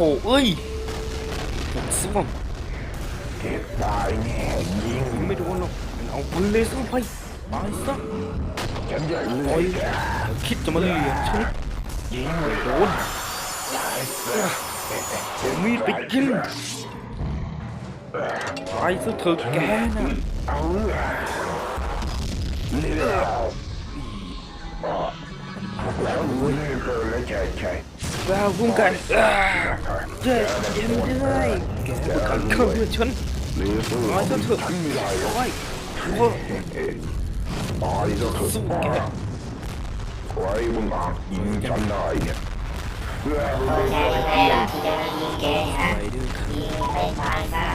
เอ้ยหมดซ่วมเก็บตายแน่ยิงไม่โดนหรอกมันเอาปืนเลเซอร์ไปตายซะฉันจะเลืโอ้อยยคิดจะมาเลียฉันยิงไม่โดนตายซะเอามีดไปกินตายซะเถอะแกน่ะเอาเลือดแล้วรู้นี่เกินแล้วใช่ว้าวพุ่งกันเจ๊เย็นได้แกประกันเข้าเลือดฉันหรือสู้ตายซะเถอะฉันไม่ได้หรอกโอ้ยโอ้ยตายซะเถอะสู้แกใครมึงอาจยิงฉันได้เนี่ยโอเคไม่หรอกที่จะมายิงแกฮะไปดื้อยิงไปตายซะ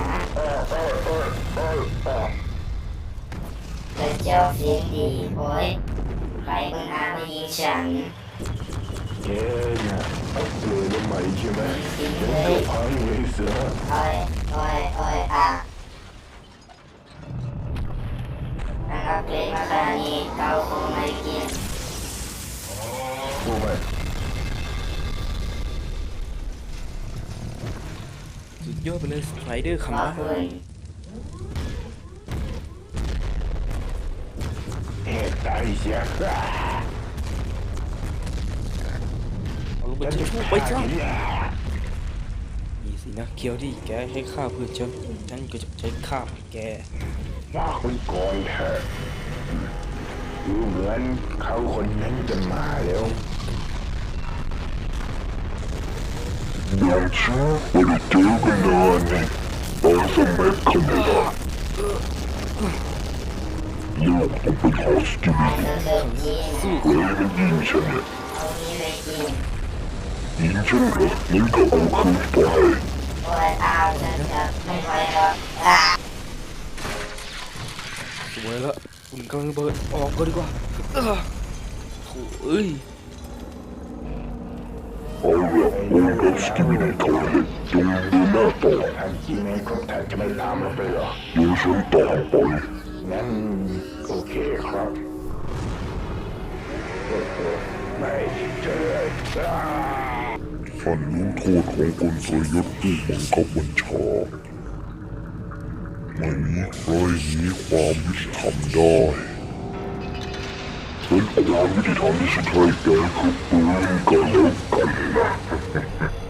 เป็นเจ้าเสียงดีโอ้ยใครมึงอามายิงฉันแกเนี่ยเอาเกลือทำไมใช่ไหมฉันจะพังเลยเสือโอ้ยโอ้ยโอ้ยอ่ะนะครับเกรดมาขนาดนี้เกาคงไม่กินรู้ไหมสุดยอดไปเลยสไลเดอร์ขคำอบนะคุณเหตุใดเสียเอาลงไปจะชูไปจ้านี่สินะเคียวที่แกให้ข้าเพื่อฉันก็จะใช้ข้าแกว่าคนก่อนเถอะดูเหมือนเขาคนนั้นจะมาแล้วเดี๋ยวชื่อไม่ได้เจอกันนานนี่ตอนสมัยขนาดลูกต้องเป็นฮอสติลิเธอเคยกินสู้เฮ้ยมันยิงฉันเนี่ยเอานี้ไปกินยิงฉันเหรองั้นก็เอาคืนไปโอ้ยเอาฉันจะไม่ไหวแล้วอ่ะสวยแล้วคุณกำลังระเบิดออกก็ดีกว่าโถ่เอ้ยเอาละโอ้ดับสกิมินีเขาเห็นจงดูหน้าต่อทันทีนี้ก็แทบจะไม่ตามเราไปหรอเดี๋ยวฉันตามไปงั้นโอเคครับไม่เจอฉันรู้โทษของคนทรยศผู้บังคับบัญชาไม่มีใครหนีความยุติธรรมได้ฉันความยุติธรรมที่ฉันให้แกคือปืนกันแล้วกันนะ